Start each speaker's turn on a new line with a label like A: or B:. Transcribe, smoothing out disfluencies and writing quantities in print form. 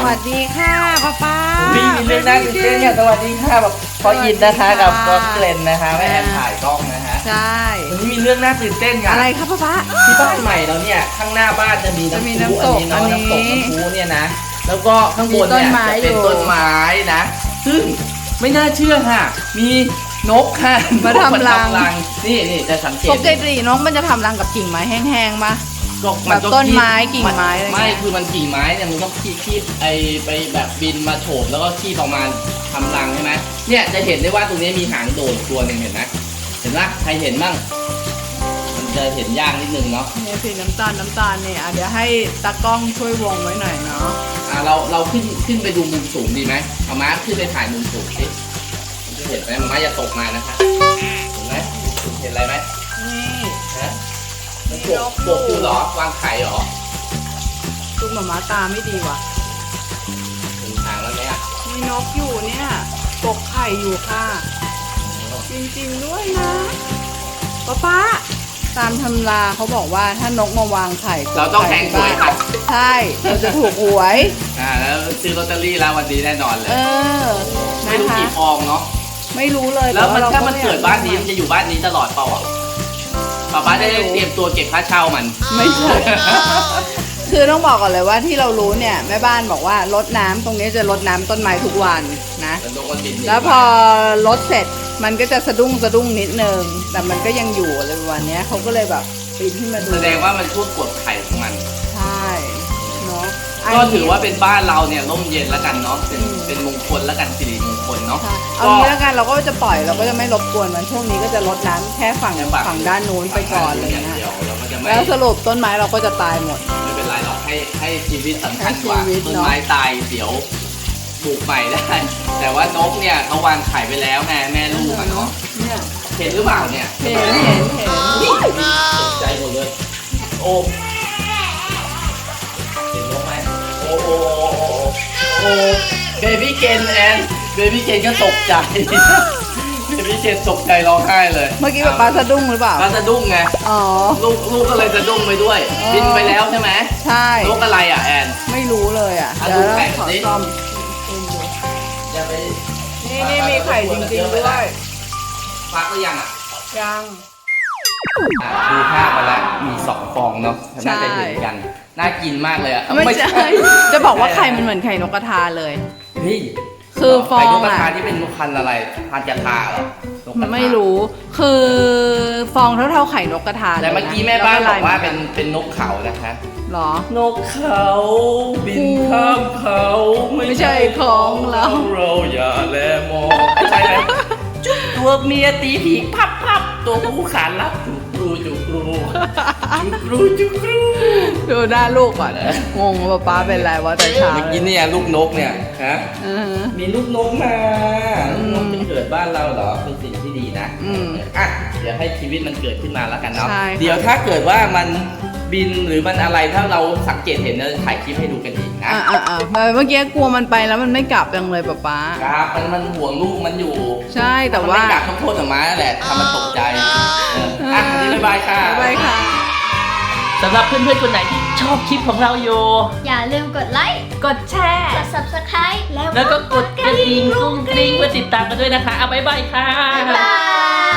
A: วัสดีค่ะป้า
B: มีเรื่องน่าตื่นเต้นเนี่ยสวัสดีค่ะแบบพอยินนะคะกับก็เกรนนะคะแม่แอนถ่ายกล้องนะฮะ
A: ใช่
B: วันนี้มีเรื่องน่าตื่นเต้นค่ะ
A: อะไรครับป้า
B: ที่บ้านใหม่เราเนี่ยข้างหน้าบ้านจะมีน้ำพุอันนี้เนาะน้ำตกน้ำพุเนี่ยนะแล้วก็ข้างบนเนี่ยจะเป็นต้นไม้นะซึ่งไม่น่าเชื่อค่ะมีนกค่ะ
A: มาทำรัง
B: นี่จะสังเกต
A: ปกตินกมันจะทำรังกับกิ่งไม้แห้งๆมาแบบต้นไม้กิ่งไม้อะไร
B: ไม่คือมันกิ่งไม้เนี่ยมันต้องคีบไปแบบบินมาโฉบแล้วก็คีบออกมาทำรังใช่ไหมเนี่ยจะเห็นได้ว่าตรงนี้มีหางโดดตัวหนึ่งเห็นไหมเห็นปะใครเห็นบ้างมันจะเห็นยากนิดนึงเนาะ
A: เนี่ยสีน้ำตาลเนี่ยเดี๋ยวให้ตากล้องช่วยวงไว้หน่อยเนาะ
B: เราขึ้นไปดูมุมสูงดีไหมเอาม้าขึ้นไปถ่ายมุมสูงสิจะเห็นไหมม้าอย่าตกมานะคะเห็นไหมเห็นอะไรไหม
A: นี่
B: ฮะมันปกอยู่หรอวางไข่หรอ
A: ตุ้มหมาตาไม่ดีว่ะ
B: ถึงทางแล้วเนี่ย
A: มีนกอยู่เนี่ยปกไข่อยู่ค่ะจริงๆด้วยนะป้าตามตำราเขาบอกว่าถ้านกมาวางไข่
B: เราต้องแทงหวยครับ
A: ใช่เราจะถูกหวย
B: แล้วซื้อลอตเตอรี่แล้ววันนี้แน่นอนเลยไม่รู้กี่ฟองเนาะ
A: ไม่รู้เลย
B: แล้วถ้ามันเกิดบ้านนี้มันจะอยู่บ้านนี้ตลอดเปล่าอ่ะป้าได้เตรียมตัวเก็บค่าเช่ามัน
A: ไม่ใช่คือต้องบอกก่อนเลยว่าที่เรารู้เนี่ยแม่บ้านบอกว่ารดน้ำตรงนี้จะรดน้ำต้นไม้ทุกวันนะแล้วพอรดเสร็จมันก็จะสะดุ้งนิดนึงแต่มันก็ยังอยู่อะไรประมาณนี้เขาก็เลยแบบปีนขึ้นมาดู
B: แสดงว่ามันช่วงกดไข่ของมัน
A: ใช่เนาะ
B: ก็ถือว่าเป็นบ้านเราเนี่ยร่มเย็นแล้วกันเนาะเป็นมงคลแล้วกันสิริมงคลเนาะ
A: เอางี้แล้วกันเราก็จะปล่อยเราก็จะไม่รบกวนมันช่วงนี้ก็จะรดน้ำแค่ฝั่งด้านนู้นไปก่อนเลยนะแล้วสรุปต้นไม้เราก็จะตายหมด
B: ไม่เป็นไรหรอกให้ชีวิตสำคัญกว่าต้นไม้ตายเดี๋ยวปลูกใหม่ได้แต่ว่านกเนี่ยเขาวางไข่ไปแล้วไงแม่ลูกเนาะเห็นหรือเปล่าเนี่ย
A: เห็น
B: ตกใจหมดเลยโอ้เห็นนกไหมโอ้เบบี้เกนแอนเบบี้เกนก็ตกใจเบบี้เกนตกใจร้องไห้เลย
A: เมื่อกี้ป้าสะดุ้งหรือเปล่า
B: ป้าสะดุ้งไง
A: อ๋อ
B: ลูกก็เลยสะดุ้งไปด้วยบินไปแล้วใช่ไหม
A: ใช่
B: นกอะไรอ่ะแอน
A: ไม่รู้เลยอ่ะ
B: เดี๋ยวขอซ่อม
A: นี่มีไข่จริงๆด้วย
B: ฟักหรือยังอ่ะ
A: ยัง
B: ดูภาพมาแล้วมี2 ฟองเนาะน่าจะเห็นกันน่ากินมากเลยอ่ะ
A: ไม่ใช่จะบอกว่าไข่มันเหมือนไข่นกกระทาเลย
B: นี่
A: คือฟอง
B: ไข่นกกระทาที่เป็นนกพันธุ์อะไรพันธุ์กระทาเหรอ
A: ไม่รู้คือฟองเท่าไข่นกกระทา
B: แต่เมื่อกี้แม่บ้านบอกว่าเป็นนกเขานะคะ
A: หรอน
B: กเขาบินข้ามเขา
A: ไม่ใช่ของเรา
B: อย่าแลมองใช่ไหมจุ๊บตัวเมียตีผีพับตัวผู้ขานรับจุกรู
A: ดูหน้าลูกก่อนงงว่าป้าเป็นไรวะแต่เช้า
B: เมื่อกี้เนี่ยลูกนกเนี่ยฮะมีลูกนกมาลูกนกจะเกิดบ้านเราเหรอเป็นสิ่งที่ดีนะอ่ะเดี๋ยวให้ชีวิตมันเกิดขึ้นมาแล้วกันเนาะเดี๋ยวถ้าเกิดว่ามันบินหรือมันอะไรถ้าเราสังเกตเห็นเราถ่ายคลิปให้ดูกันอีกนะ
A: เมื่อกี้กลัวมันไปแล้วมันไม่กลับยังเลยป้า
B: ครับมันห่วงลูกมันอยู่
A: ใช่แต่ว่า
B: ไม่กลับต้องโทษออกมาแหละทำมันตกใจอ่ะวันนี้บ๊ายบายค่ะ
A: บ๊ายบายค่ะ
B: สำหรับเพื่อนๆคนไหนที่ชอบคลิปของเราอยู่
C: อย่าลืมกดไลค์
A: กดแชร์
C: กด Subscribe
B: แล้วก็กดกระดิ่งกุ้งกริ้งเพื่อติดตามกันด้วยนะคะเอาบ๊ายบายค่ะ
C: บ๊ายบาย